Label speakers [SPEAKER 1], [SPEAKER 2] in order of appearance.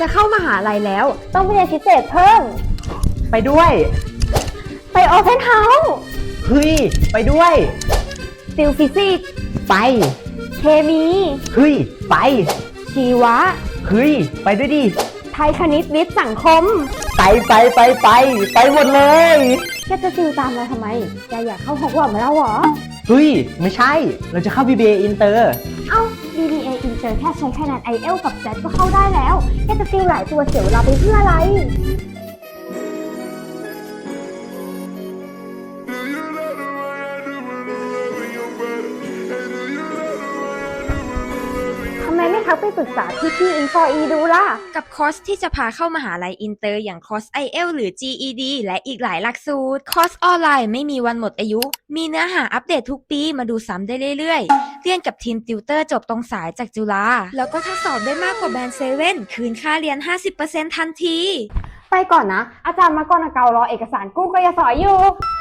[SPEAKER 1] จะเข้ามหาลัยแล้วต้องไปเรียนพิเศษเพิ่ม
[SPEAKER 2] ไปด้วย
[SPEAKER 1] ไปโอเพนเฮาส์
[SPEAKER 2] เฮ้ยไปด้วย
[SPEAKER 1] ติวฟิสิกส์
[SPEAKER 2] ไป
[SPEAKER 1] เคมี
[SPEAKER 2] เฮ้ยไป
[SPEAKER 1] ชีวะ
[SPEAKER 2] เฮ้ยไปด้วยดิ
[SPEAKER 1] ไทยคณิตวิทย์สังคม
[SPEAKER 2] ไปหมดเลย
[SPEAKER 1] แกจะติวตามเราทำไมแกอยากเข้าฮอกวอตส์มาแล้วเหรอ
[SPEAKER 2] เฮ้ยไม่ใช่เราจะเข้า BBA Inter
[SPEAKER 1] เอ้า BBA Inter แค่ใช้คะแนน IELTS กับ JET ก็เข้าได้แล้วแกจะติวหลายตัวเสียเวลาไปเพื่ออะไรทำไมไม่ทักไปปรึกษาพี่ Info-E ดูล่ะ
[SPEAKER 3] กับคอร์สที่จะพาเข้ามหาลัยอินเตอร์อย่างคอร์ส IELTS หรือ GED และอีกหลายหลักสูตรคอร์สออนไลน์ไม่มีวันหมดอายุมีเนื้อหาอัปเดตทุกปีมาดูซ้ำได้เรื่อยๆเรียนกับทีมติวเตอร์จบตรงสายจากจุฬาแล้วก็ถ้าสอบได้มากกว่าแบนด์7คืนค่าเรียน 50% ทันที
[SPEAKER 1] ไปก่อนนะอาจารย์มากรณเการอเอกสารกู้กยศอยู่